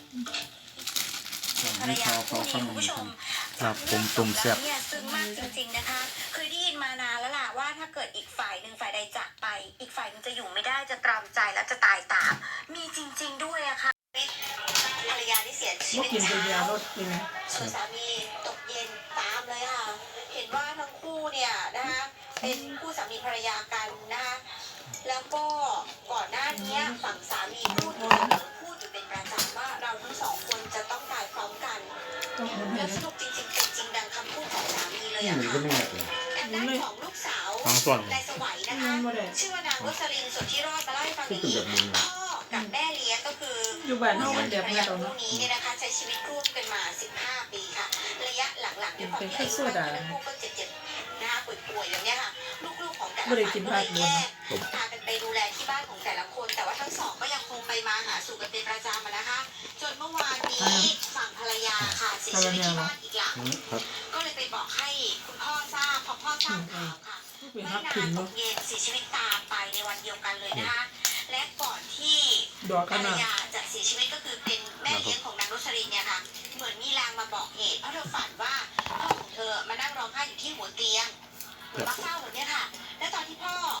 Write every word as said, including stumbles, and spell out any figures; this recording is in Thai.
ภรรยาคู่นี้คุณผู้ชมครับผมตุ่มแซ่บเนี่ยซึ้งมากจริงๆนะคะเคยได้ยินมานานแล้วล่ะว่าถ้าเกิดอีกฝ่ายหนึ่งฝ่ายใดจากไป อีกฝ่ายหนึงจะอยู่ไม่ได้จะตรอมใจและจะตายตาม มีจริง ๆด้วยอะค่ะภรรยาที่เสียชีบ่วิตกินเช้เป็นยาาลดกินไหมส่วนสามีตกเย็นตามเลยค่ะ เห็นว่าทั้งคู่เนี่ยนะคะเป็นคู่สามีภรรยากันนะคะแล้วก็ก่อนหน้านี้ฝั่งสามีพูดอยู่เสมอพูดอยู่เป็นประจำว่าเราทั้งสองคนจะต้องตายพร้อมกันต้องหมุนให้แล้วสนะรุปจริงๆเป็นจริงดังคำพูดของสามีเลยนี่อะมันก็ค่ะไม่แน่เลยทางด้านของลูกสาวฟังส่วนนายสวัยนะคะ ชื่อว่านางรสลินสุทธิรอดมาเล่าให้ฟังอย่างนี้พ่อกับแม่เลี้ยงก็คืออยู่บ้านเฮามันแบบภรรนี้ยาตอนคู่เนาะนี้เนี่ยนะคะใช้ชีวิตร่วมกันมาสิบห้าปีค่ะระยะหลังๆด้วยความที่อายุมากขึ้นทั้งคู่ก็เจ็บๆนะคะป่วยๆอย่างเงี้ยค่ะลูกๆของแต่ละบ่ได้ฝ่ายกินก็ผัเลกยบนแยกพากันไปดูแลที่บ้านของแต่ละคน แต่ว่าทั้งสองก็ยังคงไปมาหาสู่กันเป็นประจำอะนะคะ จนเมื่อวานนี้ฝั่งภรรยาค่ะเสียชีวิตที่บ้านอีกหลังครับก็เลยไปบอกให้คุณพ่อทราบพอพ่อทราบข่าวค่ะเป็นไม่ฮักนากินนตเนาะกเย็นเสียชีวิตตามไปในวันเดียวกันเลยนะคะ และก่อนที่ดอกภกัรนรน่ะยาจะเสียชีวิตก็คือเป็นแม่เลี้ยงของนางรสลินเนี่ยค่ะ เหมือนมีลางมาบอกเหตุเพราะเธอฝันว่าพ่อของเธอมานั่งร้องไห้อยู่ที่หัวเตียงเหมือนมาเฝ้าแบบเนี้ยค่ะ และตอนที่พ่อ